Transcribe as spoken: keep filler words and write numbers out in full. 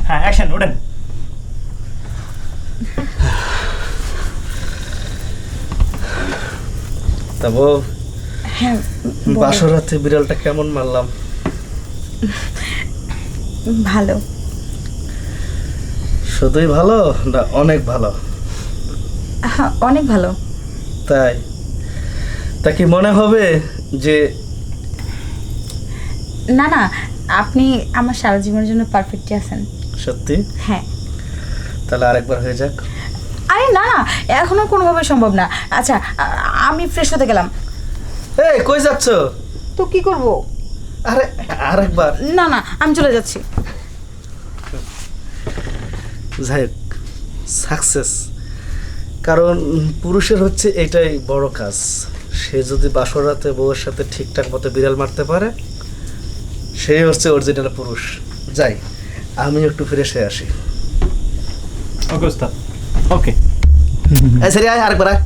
হ্যাঁ অ্যাকশন ওঠেন। তা বউ, হ্যাঁ বলো। বাসর রাতে বিড়ালটা কেমন মারলাম? ভালো। শুধুই ভালো না অনেক ভালো? হ্যাঁ অনেক ভালো। তাই? তা কি মনে হবে যে না না, আপনি আমার সারা জীবনের জন্য পারফেক্টই আছেন। সত্যি? হ্যাঁ। তাহলে আরেকবার হয়ে যাক। আরে না না, এখনো কোনোভাবে সম্ভব না। আচ্ছা আ- আমি ফ্রেশ হতে গেলাম। এই কই যাচ্ছ? তো কি করব? আরে আরেকবার। না না, আমি চলে যাচ্ছি। যাই হোক, সাকসেস। কারণ পুরুষের হচ্ছে এটাই বড় কাজ। সে যদি বাসর রাতে বউয়ের সাথে ঠিকঠাক মতো বিড়াল মারতে পারে, সেই হচ্ছে অরিজিনাল পুরুষ। যাই, আমি একটু ফ্রেশ হয়ে আসি। ওকে ওস্তাদ, ওকে। এই সরি, আয় আরেকবার আয়।